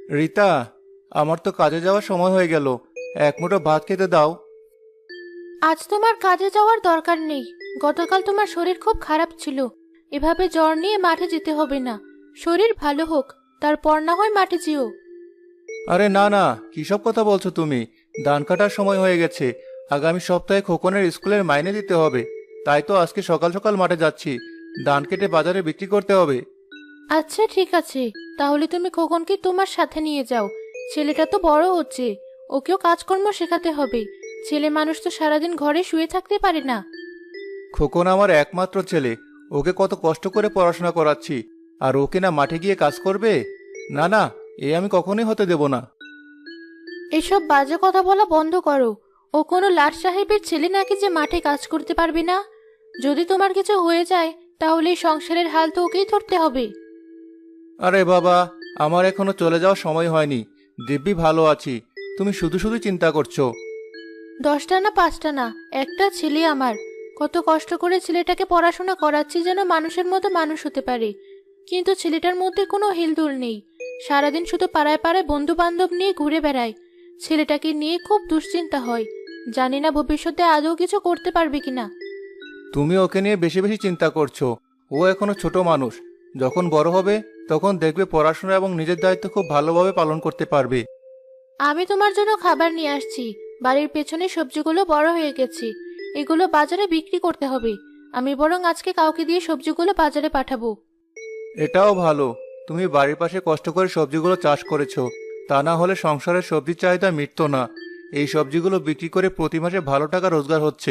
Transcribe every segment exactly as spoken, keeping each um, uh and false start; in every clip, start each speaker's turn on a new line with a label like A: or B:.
A: রিতা, আমার তো কাজে যাওয়ার সময় হয়ে গেল। এক মুঠো ভাত খেতে দাও।
B: আজ তোমার কাজে যাওয়ার দরকার নেই। গতকাল তোমার শরীর খুব খারাপ ছিল। এভাবে জ্বর নিয়ে মাঠে যেতে হবে না। শরীর ভালো হোক, তারপর না হয় মাঠে যেও।
A: আরে না না, কিসব কথা বলছো তুমি? ধান কাটার সময় হয়ে গেছে। আগামী সপ্তাহে খোকনের স্কুলের মাইনে দিতে হবে। তাই তো আজকে সকাল সকাল মাঠে যাচ্ছি। ধান কেটে বাজারে বিক্রি করতে হবে।
B: আচ্ছা ঠিক আছে, তাহলে তুমি খোকনকে তোমার সাথে নিয়ে যাও। ছেলেটা তো বড় হচ্ছে, ওকেও কাজকর্ম শেখাতে হবে। ছেলে মানুষ তো সারাদিন ঘরে শুয়ে থাকতে পারে না।
A: খোকন আমার একমাত্র ছেলে। ওকে কত কষ্ট করে পড়াশোনা করাচ্ছি, আর ওকে না মাঠে গিয়ে কাজ করবে? না না, এ আমি কখনোই হতে দেব না।
B: এসব বাজে কথা বলা বন্ধ করো। ও কোনো লাট সাহেবের ছেলে নাকি যে মাঠে কাজ করতে পারবে না? যদি তোমার কিছু হয়ে যায় তাহলে এই সংসারের হাল তো ওকেই ধরতে হবে।
A: আরে বাবা, আমার এখনো চলে যাওয়ার সময় হয়নি। দিব্যি ভালো আছি। তুমি শুধু শুধু চিন্তা করছো।
B: দশটা না পাঁচটা না, একটা ছেলে আমার। কত কষ্ট করে ছেলেটাকে পড়াশোনা করাচ্ছি যেন মানুষের মতো মানুষ হতে পারে। কিন্তু ছেলেটার মধ্যে কোনো হেলদোল নেই। সারাদিন শুধু পাড়ায় পাড়ায় বন্ধু বান্ধব নিয়ে ঘুরে বেড়ায়। ছেলেটাকে নিয়ে খুব দুশ্চিন্তা হয়। জানি না ভবিষ্যতে আদৌ কিছু করতে পারবে কিনা।
A: তুমি ওকে নিয়ে বেশি বেশি চিন্তা করছো। ও এখনো ছোট মানুষ। যখন বড় হবে তখন দেখবে পড়াশোনা এবং নিজের দায়িত্ব খুব ভালোভাবে পালন করতে পারবে।
B: আমি তোমার জন্য খাবার নিয়ে আসছি। বাড়ির পেছনে সবজিগুলো বড় হয়ে গেছে। এগুলো বাজারে বিক্রি করতে হবে। আমি বরং আজকে কাউকে দিয়ে সবজিগুলো বাজারে পাঠাবো।
A: এটাও ভালো। তুমি বাড়ির পাশে কষ্ট করে সবজিগুলো চাষ করেছো। তা না হলে সংসারের সবজির চাহিদা মিটতো না। এই সবজিগুলো বিক্রি করে প্রতি মাসে ভালো টাকা রোজগার হচ্ছে।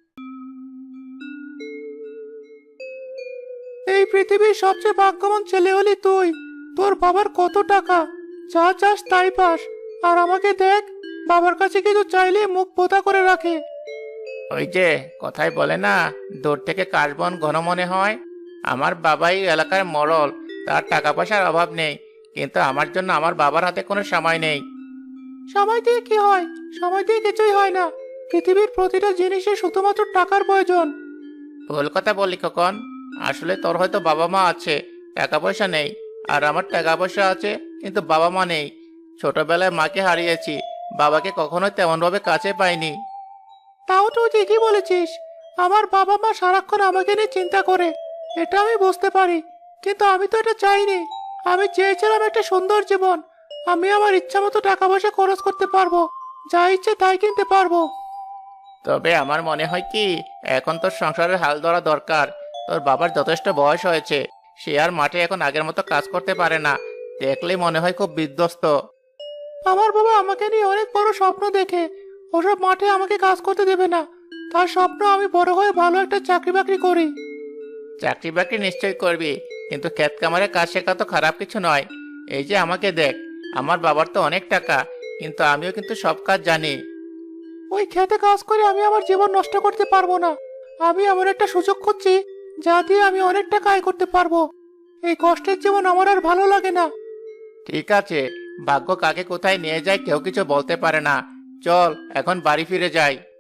A: এই পৃথিবীর সবচেয়ে ভাগ্যবান ছেলে হলি তুই। তোর বাবার কত টাকা, যা চাস তাই পাস। আর আমাকে দেখ, বাবার কাছে কিছু চাইলে মুখ পোতা করে রাখে।
C: ওই যে কথাই বলে না, দূর থেকে কাশবন ঘন মনে হয়। আমার বাবাই এলাকার মোড়ল। তার টাকা পয়সার অভাব নেই, কিন্তু আমার জন্য আমার বাবার হাতে কোনো সময় নেই।
A: সময় দিয়ে কি হয়? সময় দিয়ে কিছুই হয় না। পৃথিবীর প্রতিটা জিনিসে শুধুমাত্র টাকার প্রয়োজন।
C: ভুল কথা বলি খোকন। আসলে তোর হয়তো বাবা মা আছে, টাকা পয়সা নেই। আর আমার টাকা পয়সা আছে, কিন্তু বাবা মা নেই। ছোটবেলায় মাকে হারিয়েছি, বাবাকে কখনোই তেমন ভাবে কাছে পাইনি।
A: তাও তুই ঠিকই বলেছিস। আমার বাবা মা সারাক্ষণ আমাকে নিয়ে চিন্তা করে, এটা আমি বুঝতে পারি। কিন্তু আমি তো এটা চাইনি। আমি চেয়েছিলাম একটা সুন্দর জীবন। আমি আমার ইচ্ছা মতো টাকা পয়সা খরচ করতে পারবো, যা ইচ্ছে তাই কিনতে পারবো।
C: তবে আমার মনে হয় কি, এখন তোর সংসারের হাল ধরা দরকার। তোর বাবার যথেষ্ট বয়স হয়েছে, সে আর মাঠে এখন আগের মতো কাজ করতে পারে না। দেখলেই মনে হয় খুব বিধ্বস্ত।
A: আমার বাবা আমাকে নিয়ে অনেক বড় স্বপ্ন দেখে। ওসব মাঠে আমাকে কাজ করতে দেবে না। তার স্বপ্ন আমি বড় হয়ে ভালো একটা চাকরি বাকরি করি।
C: চাকরি বাকরি নিশ্চয়ই করবি, কিন্তু ক্ষেত কামারে কাজ শেখা তো খারাপ কিছু নয়। এই যে আমাকে দেখ, আমার বাবার তো অনেক টাকা, কিন্তু আমিও কিন্তু সব কাজ জানি।
A: ওই খেতে কাজ করে আমি আমার জীবন নষ্ট করতে পারবো না। আমি এমন একটা সুযোগ খুঁজছি, যা দিয়ে আমি অনেক টাকা আয় করতে পারবো। এই কষ্টের জীবন আমার আর ভালো লাগে না।
C: ঠিক আছে, ভাগ্য কাকে কোথায় নিয়ে যায় কেউ কিছু বলতে পারে না। চল এখন বাড়ি ফিরে যাই।